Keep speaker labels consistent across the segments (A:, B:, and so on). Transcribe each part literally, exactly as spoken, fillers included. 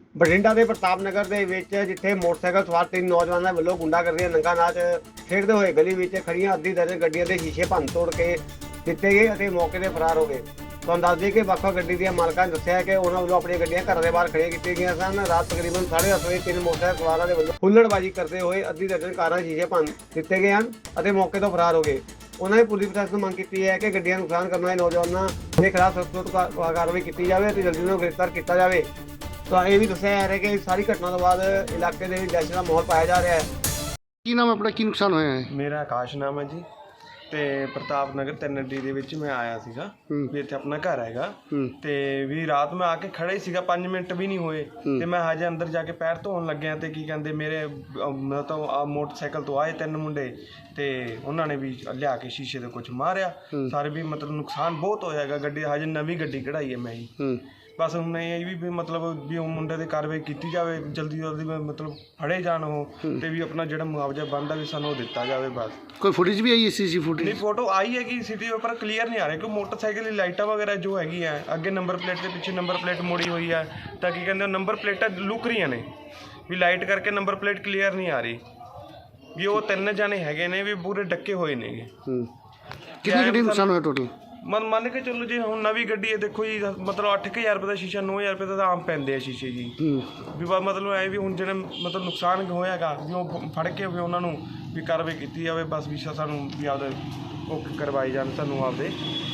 A: ਬਠਿੰਡਾ ਦੇ ਪ੍ਰਤਾਪ ਨਗਰ ਦੇ ਵਿੱਚ ਜਿੱਥੇ ਮੋਟਰਸਾਈਕਲ ਸਵਾਰ ਤਿੰਨ ਨੌਜਵਾਨਾਂ ਵੱਲੋਂ ਗੁੰਡਾਗਰਦੀ ਦਾ ਨੰਗਾ ਨਾਚ ਖੇਡਦੇ ਹੋਏ ਗਲੀ ਵਿੱਚ ਖੜੀਆਂ ਅੱਧੀ ਦਰਜਨ ਗੱਡੀਆਂ ਦੇ ਸ਼ੀਸ਼ੇ ਭੰਨ ਤੋੜ ਕੇ ਦਿੱਤੇ ਗਏ ਅਤੇ ਮੌਕੇ ਤੇ ਫਰਾਰ ਹੋ ਗਏ। ਤੁਹਾਨੂੰ ਦੱਸ ਦਈਏ ਕਿ ਵੱਖ-ਵੱਖ ਗੱਡੀ ਦੀਆਂ ਮਾਲਕਾਂ ਨੇ ਦੱਸਿਆ ਕਿ ਉਹਨਾਂ ਵੱਲੋਂ ਆਪਣੀਆਂ ਗੱਡੀਆਂ ਘਰਾਂ ਦੇ ਬਾਹਰ ਖੜੀਆਂ ਕੀਤੀਆਂ ਗਈਆਂ ਸਨ। ਰਾਤ ਤਕਰੀਬਨ ਸਾਢੇ ਦਸ ਵਜੇ ਤਿੰਨ ਮੋਟਰਸਾਈਕਲ ਸਵਾਰਾਂ ਦੇ ਵੱਲੋਂ ਹੁੱਲੜਬਾਜ਼ੀ ਕਰਦੇ ਹੋਏ ਅੱਧੀ ਦਰਜਨ ਕਾਰਾਂ ਦੇ ਸ਼ੀਸ਼ੇ ਭੰਨ ਦਿੱਤੇ ਗਏ ਹਨ ਅਤੇ ਮੌਕੇ ਤੋਂ ਫਰਾਰ ਹੋ ਗਏ। ਉਹਨਾਂ ਨੇ ਪੁਲਿਸ ਪ੍ਰਸ਼ਾਸਨ ਨੂੰ ਮੰਗ ਕੀਤੀ ਹੈ ਕਿ ਗੱਡੀਆਂ ਨੂੰ ਨੁਕਸਾਨ ਕਰਨ ਵਾਲੇ ਨੌਜਵਾਨਾਂ ਦੇ ਖਿਲਾਫ ਸਖਤ ਕਾਰਵਾਈ ਕੀਤੀ ਜਾਵੇ ਅਤੇ ਜਲਦੀ ਉਹਨਾਂ ਨੂੰ ਗ੍ਰਿਫਤਾਰ ਕੀਤਾ ਜਾਵੇ। ਤਾਂ ਇਹ ਵੀ ਦੱਸਿਆ ਜਾ ਰਿਹਾ ਕਿ ਸਾਰੀ ਘਟਨਾ ਤੋਂ ਬਾਅਦ ਇਲਾਕੇ ਦੇ ਵਿੱਚ ਦਹਿਸ਼ਤ ਦਾ ਮਾਹੌਲ ਪਾਇਆ ਜਾ ਰਿਹਾ ਹੈ।
B: ਕੀ ਨਾਮ ਆਪਣਾ, ਕੀ ਨੁਕਸਾਨ ਹੋਇਆ ਹੈ?
C: ਮੇਰਾ ਆਕਾਸ਼ ਨਾਮ ਹੈ ਜੀ ਤੇ ਪ੍ਰਤਾਪ ਨਗਰ ਤਿੰਨ ਡੀ ਦੇ ਵਿੱਚ ਮੈਂ ਆਇਆ ਸੀਗਾ ਵੀ ਇੱਥੇ ਆਪਣਾ ਘਰ ਹੈਗਾ ਤੇ ਵੀ ਰਾਤ ਮੈਂ ਆ ਕੇ ਖੜਾ ਹੀ ਸੀਗਾ, ਪੰਜ ਮਿੰਟ ਵੀ ਨਹੀਂ ਹੋਏ ਤੇ ਮੈਂ ਹਜੇ ਅੰਦਰ ਜਾ ਕੇ ਪੈਰ ਧੋਣ ਲੱਗਿਆ ਤੇ ਕੀ ਕਹਿੰਦੇ ਮੇਰੇ ਮਤਲਬ ਆ ਮੋਟਰਸਾਈਕਲ ਤੋਂ ਆਏ ਤਿੰਨ ਮੁੰਡੇ ਤੇ ਉਹਨਾਂ ਨੇ ਵੀ ਲਿਆ ਕੇ ਸ਼ੀਸ਼ੇ ਦੇ ਕੁਝ ਮਾਰਿਆ ਸਾਰੇ ਵੀ ਮਤਲਬ ਨੁਕਸਾਨ ਬਹੁਤ ਹੋਇਆ ਹੈਗਾ। ਗੱਡੀ ਹਜੇ ਨਵੀਂ ਗੱਡੀ ਕਢਾਈ ਹੈ ਮੈਂ ਹੀ, ਬਸ ਹੁਣ ਇਹ ਵੀ ਮਤਲਬ ਵੀ ਉਹ ਮੁੰਡੇ ਦੀ ਕਾਰਵਾਈ ਕੀਤੀ ਜਾਵੇ, ਜਲਦੀ ਜਲਦੀ ਮਤਲਬ ਫੜੇ ਜਾਣ ਉਹ ਤੇ ਵੀ ਆਪਣਾ ਜਿਹੜਾ ਮੁਆਵਜ਼ਾ ਬਣਦਾ ਵੀ ਸਾਨੂੰ ਉਹ ਦਿੱਤਾ ਜਾਵੇ। ਬਸ
B: ਕੋਈ ਫੁਟੇਜ ਵੀ ਆਈ ਹੈ? ਸੀਸੀ ਫੁਟੇਜ
C: ਨਹੀਂ, ਫੋਟੋ ਆਈ ਹੈਗੀ ਸਿਟੀ ਉੱਪਰ ਕਲੀਅਰ ਨਹੀਂ ਆ ਰਿਹਾ ਕਿਉਂਕਿ ਮੋਟਰਸਾਈਕਲ ਦੀ ਲਾਈਟਾਂ ਵਗੈਰਾ ਜੋ ਹੈਗੀ ਹੈ ਅੱਗੇ ਨੰਬਰ ਪਲੇਟ ਦੇ ਪਿੱਛੇ ਨੰਬਰ ਪਲੇਟ ਮੋੜੀ ਹੋਈ ਹੈ ਤਾਂ ਕੀ ਕਹਿੰਦੇ ਨੰਬਰ ਪਲੇਟਾਂ ਲੁਕ ਰਹੀਆਂ ਨੇ ਵੀ ਲਾਈਟ ਕਰਕੇ ਨੰਬਰ ਪਲੇਟ ਕਲੀਅਰ ਨਹੀਂ ਆ ਰਹੀ ਵੀ ਉਹ ਤਿੰਨ ਜਾਣੇ ਹੈਗੇ ਨੇ ਵੀ ਪੂਰੇ ਡੱਕੇ ਹੋਏ ਨੇਗੇ।
B: ਕਿੰਨੀ ਗੱਡੀ ਨੁਕਸਾਨ ਹੋਇਆ ਟੋਟਲ?
C: ਮਨ ਮੰਨ ਕੇ ਚੱਲੋ ਜੀ ਹੁਣ ਨਵੀਂ ਗੱਡੀ ਹੈ ਦੇਖੋ ਜੀ ਮਤਲਬ ਅੱਠ ਕੁ ਹਜ਼ਾਰ ਰੁਪਏ ਦਾ ਸ਼ੀਸ਼ਾ ਨੌ ਹਜ਼ਾਰ ਰੁਪਏ ਦਾ ਤਾਂ ਆਮ ਪੈਂਦੇ ਆ ਸ਼ੀਸ਼ੇ ਜੀ ਵੀ ਬਸ ਮਤਲਬ ਐ ਵੀ ਹੁਣ ਜਿਹੜੇ ਮਤਲਬ ਨੁਕਸਾਨ ਹੋਇਆਗਾ ਵੀ ਉਹ ਫੜ ਕੇ ਵੀ ਉਹਨਾਂ ਨੂੰ ਵੀ ਕਾਰਵਾਈ ਕੀਤੀ ਜਾਵੇ। ਬਸ ਵੀ ਸਾਨੂੰ ਵੀ ਆਪਦੇ ਉਹ ਕਰਵਾਈ ਜਾਣ ਸਾਨੂੰ ਆਪਦੇ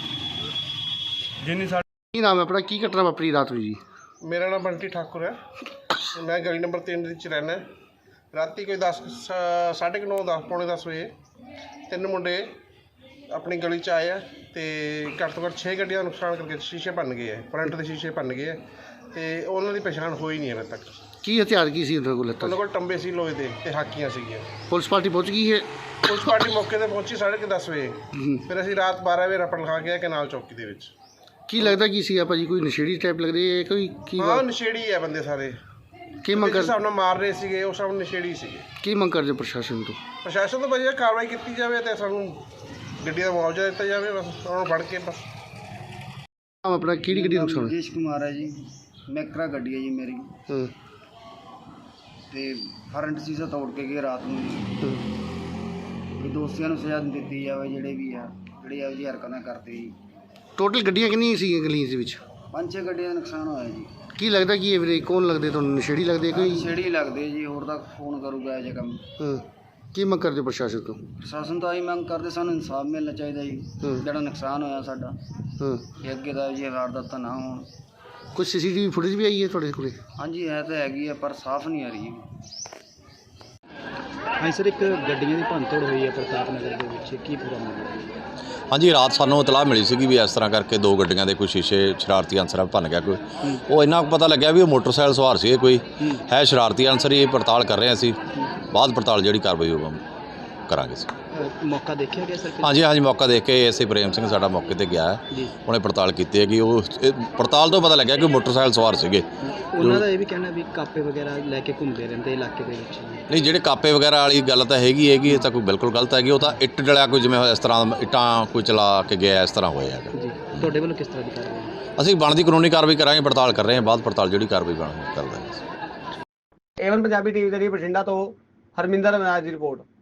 C: ਜਿੰਨੀ ਸਾਡੀ।
B: ਕੀ ਨਾਮ ਹੈ ਆਪਣਾ, ਕੀ ਘਟਨਾ ਵਾਪਰੀ ਰਾਤ ਨੂੰ ਜੀ?
D: ਮੇਰਾ ਨਾਮ ਬੰਟੀ ਠਾਕੁਰ ਹੈ, ਮੈਂ ਗਲੀ ਨੰਬਰ ਤਿੰਨ ਵਿੱਚ ਰਹਿਣਾ। ਰਾਤੀ ਕੋਈ ਦਸ ਸਾਢੇ ਕੁ ਨੌ ਦਸ ਪੌਣੇ ਦਸ ਵਜੇ ਤਿੰਨ ਮੁੰਡੇ ਆਪਣੀ ਗਲੀ 'ਚ ਆਏ ਆ ਅਤੇ ਘੱਟ ਤੋਂ ਘੱਟ ਛੇ ਗੱਡੀਆਂ ਦਾ ਨੁਕਸਾਨ ਕਰਕੇ ਸ਼ੀਸ਼ੇ ਭੰਨ ਗਏ ਹੈ, ਫਰੰਟ ਦੇ ਸ਼ੀਸ਼ੇ ਭੰਨ ਗਏ ਹੈ ਅਤੇ ਉਹਨਾਂ ਦੀ ਪਛਾਣ ਹੋਈ ਨਹੀਂ ਹਾਲੇ ਤੱਕ।
B: ਕੀ ਹਥਿਆਰ ਕੀ ਸੀ ਉਹਨਾਂ ਕੋਲ?
D: ਉਹਨਾਂ ਕੋਲ ਟੰਬੇ ਸੀ ਲੋਹੇ ਦੇ ਅਤੇ ਹਾਕੀਆਂ ਸੀਗੀਆਂ।
B: ਪੁਲਿਸ ਪਾਰਟੀ ਪਹੁੰਚ ਗਈ ਹੈ?
D: ਪੁਲਿਸ ਪਾਰਟੀ ਮੌਕੇ 'ਤੇ ਪਹੁੰਚੀ ਸਾਢੇ ਕੁ ਦਸ ਵਜੇ। ਫਿਰ ਅਸੀਂ ਰਾਤ ਬਾਰ੍ਹਾਂ ਵਜੇ ਰਪਟ ਲਿਖਾ ਕੇ ਕਨਾਲ ਚੌਕੀ ਦੇ ਵਿੱਚ।
B: ਕੀ ਲੱਗਦਾ ਕੀ ਸੀ ਭਾਜੀ, ਕੋਈ ਨਸ਼ੇੜੀ ਟਾਈਪ ਲੱਗਦੇ ਹੈ ਕੋਈ? ਕੀ
D: ਹਾਂ ਨਸ਼ੇੜੀ ਹੈ ਬੰਦੇ ਸਾਰੇ,
B: ਕੀ ਮੰਗ ਕਰ
D: ਹਿਸਾਬ ਨਾਲ ਮਾਰ ਰਹੇ ਸੀਗੇ ਉਹ ਸਭ ਨਸ਼ੇੜੀ ਸੀਗੇ।
B: ਕੀ ਮੰਗ ਕਰਦੇ ਪ੍ਰਸ਼ਾਸਨ ਤੋਂ?
D: ਪ੍ਰਸ਼ਾਸਨ ਤੋਂ ਵਧੀਆ ਕਾਰਵਾਈ ਕੀਤੀ ਜਾਵੇ ਅਤੇ ਸਾਨੂੰ ਗੱਡੀ ਦਾ ਮੁਆਵਜ਼ਾ ਦਿੱਤਾ ਜਾਵੇ, ਬਸ ਉਹਨਾਂ ਨੂੰ ਫੜ ਕੇ। ਬਸ
B: ਆਪਣਾ ਕਿਹੜੀ ਗੱਡੀ ਨੁਕਸਾਨ?
E: ਰਾਜੇਸ਼ ਕੁਮਾਰ ਹੈ ਜੀ, ਮੈਕਰਾ ਗੱਡੀ ਹੈ ਜੀ ਮੇਰੀ
B: ਹਾਂ
E: ਤੇ ਫਰੰਟ ਸੀਸਾ ਤੋੜ ਕੇ ਗਏ ਰਾਤ ਨੂੰ ਜੀ। ਵੀ ਦੋਸਤਿਆਂ ਨੂੰ ਸਜ਼ਾ ਦਿੱਤੀ ਜਾਵੇ ਜਿਹੜੇ ਵੀ ਆ ਜਿਹੜੇ ਇਹੋ ਜਿਹੀ ਹਰਕਤਾਂ ਕਰਦੇ ਜੀ।
B: ਟੋਟਲ ਗੱਡੀਆਂ ਕਿੰਨੀਆਂ ਸੀਗੀਆਂ ਗਲੀਆਂ ਦੇ ਵਿੱਚ?
E: ਪੰਜ ਛੇ ਗੱਡੀਆਂ ਦਾ ਨੁਕਸਾਨ ਹੋਇਆ ਜੀ।
B: ਕੀ ਲੱਗਦਾ ਕੀ ਇਹ ਵੀਰੇ ਕੌਣ ਲੱਗਦੇ ਤੁਹਾਨੂੰ? ਨਸ਼ੇੜੀ ਲੱਗਦੇ ਕੋਈ?
E: ਛੇੜੀ ਲੱਗਦੇ ਜੀ, ਹੋਰ ਤਾਂ ਫੋਨ ਕਰੂਗਾ ਇਹ ਜਿਹਾ ਕੰਮ।
B: ਹਾਂ ਕੀ ਮੰਗ ਕਰਦੇ ਪ੍ਰਸ਼ਾਸਨ ਤੋਂ?
E: ਪ੍ਰਸ਼ਾਸਨ ਤੋਂ ਆਹੀ ਮੰਗ ਕਰਦੇ ਸਾਨੂੰ ਇਨਸਾਫ ਮਿਲਣਾ ਚਾਹੀਦਾ ਜੀ, ਜਿਹੜਾ ਨੁਕਸਾਨ ਹੋਇਆ ਸਾਡਾ
B: ਹਾਂ
E: ਇਹ ਅੱਗੇ ਦਾ ਜੀ ਵਾਰਦਾਤਾਂ ਨਾ ਹੋਣ।
B: ਕੋਈ ਸੀ ਸੀ ਟੀ ਵੀ ਫੁਟੇਜ ਵੀ ਆਈ ਹੈ ਤੁਹਾਡੇ ਕੋਲ?
E: ਹਾਂਜੀ ਹੈ ਤਾਂ ਹੈਗੀ ਹੈ ਪਰ ਸਾਫ਼ ਨਹੀਂ ਆ ਰਹੀ।
F: ਹਾਂ ਸਰ, ਇੱਕ ਗੱਡੀਆਂ ਦੀ ਭੰਨਤੋੜ ਹੋਈ ਹੈ ਪ੍ਰਤਾਪ ਨਗਰ ਦੇ ਵਿੱਚ, ਕੀ ਪੂਰਾ ਮਾਮਲਾ?
G: ਹਾਂਜੀ, ਰਾਤ ਸਾਨੂੰ ਇਤਲਾਹ ਮਿਲੀ ਸੀਗੀ ਵੀ ਇਸ ਤਰ੍ਹਾਂ ਕਰਕੇ ਦੋ ਗੱਡੀਆਂ ਦੇ ਕੋਈ ਸ਼ੀਸ਼ੇ ਸ਼ਰਾਰਤੀ ਅਨਸਰਾਂ ਭੰਨ ਗਿਆ ਕੋਈ। ਉਹ ਇੰਨਾ ਕੁ ਪਤਾ ਲੱਗਿਆ ਵੀ ਉਹ ਮੋਟਰਸਾਈਕਲ ਸਵਾਰ ਸੀ ਕੋਈ ਹੈ ਸ਼ਰਾਰਤੀ ਅਨਸਰ ਹੀ। ਇਹ ਪੜਤਾਲ ਕਰ ਰਹੇ ਅਸੀਂ, ਬਾਅਦ ਪੜਤਾਲ ਜਿਹੜੀ ਕਾਰਵਾਈ ਹੋਊਗਾ ਕਰਾਂਗੇ ਸੀ।
F: ਮੌਕਾ ਦੇਖਿਆ ਗਿਆ ਸਰ?
G: ਹਾਂਜੀ ਹਾਂਜੀ ਮੌਕਾ ਦੇਖ ਕੇ ਐਸ ਆਈ ਪ੍ਰੇਮ ਸਿੰਘ ਸਾਡਾ ਮੌਕੇ ਤੇ ਗਿਆ ਹੈ, ਉਹਨੇ ਪੜਤਾਲ ਕੀਤੀ ਹੈ ਕਿ ਉਹ ਪੜਤਾਲ ਤੋਂ ਪਤਾ ਲੱਗਿਆ ਕਿ ਮੋਟਰਸਾਈਕਲ ਸਵਾਰ ਸੀਗੇ।
F: ਉਹਨਾਂ ਦਾ ਇਹ ਵੀ ਕਹਿਣਾ ਵੀ ਕਾਪੇ ਵਗੈਰਾ ਲੈ ਕੇ ਘੁੰਮਦੇ ਰਹਿੰਦੇ ਇਲਾਕੇ ਦੇ ਵਿੱਚ।
G: ਨਹੀਂ, ਜਿਹੜੇ ਕਾਪੇ ਵਗੈਰਾ ਵਾਲੀ ਗੱਲ ਤਾਂ ਹੈਗੀ ਹੈਗੀ, ਇਹ ਤਾਂ ਕੋਈ ਬਿਲਕੁਲ ਗਲਤ ਹੈਗੀ। ਉਹ ਤਾਂ ਇੱਟ ਡਲਿਆ ਕੋਈ ਜਿਵੇਂ ਇਸ ਤਰ੍ਹਾਂ ਇੱਟਾਂ ਕੋਈ ਚਲਾ ਕੇ ਗਿਆ ਇਸ ਤਰ੍ਹਾਂ ਹੋਇਆ ਹੈਗਾ
F: ਜੀ। ਤੁਹਾਡੇ ਵੱਲੋਂ ਕਿਸ ਤਰ੍ਹਾਂ ਦੀ ਕਾਰਵਾਈ?
G: ਅਸੀਂ ਬਣਦੀ ਕਾਨੂੰਨੀ ਕਾਰਵਾਈ ਕਰਾਂਗੇ, ਪੜਤਾਲ ਕਰ ਰਹੇ ਹਾਂ, ਬਾਅਦ ਪੜਤਾਲ ਜਿਹੜੀ ਕਾਰਵਾਈ ਬਣ ਕਰ ਦਾਂਗੇ।
A: ਏਵਨ ਪੰਜਾਬੀ ਟੀਵੀ ਦੇ ਲਈ ਬਠਿੰਡਾ ਤੋਂ ਹਰਮਿੰਦਰ ਮਨਾਜ ਦੀ ਰਿਪੋਰਟ।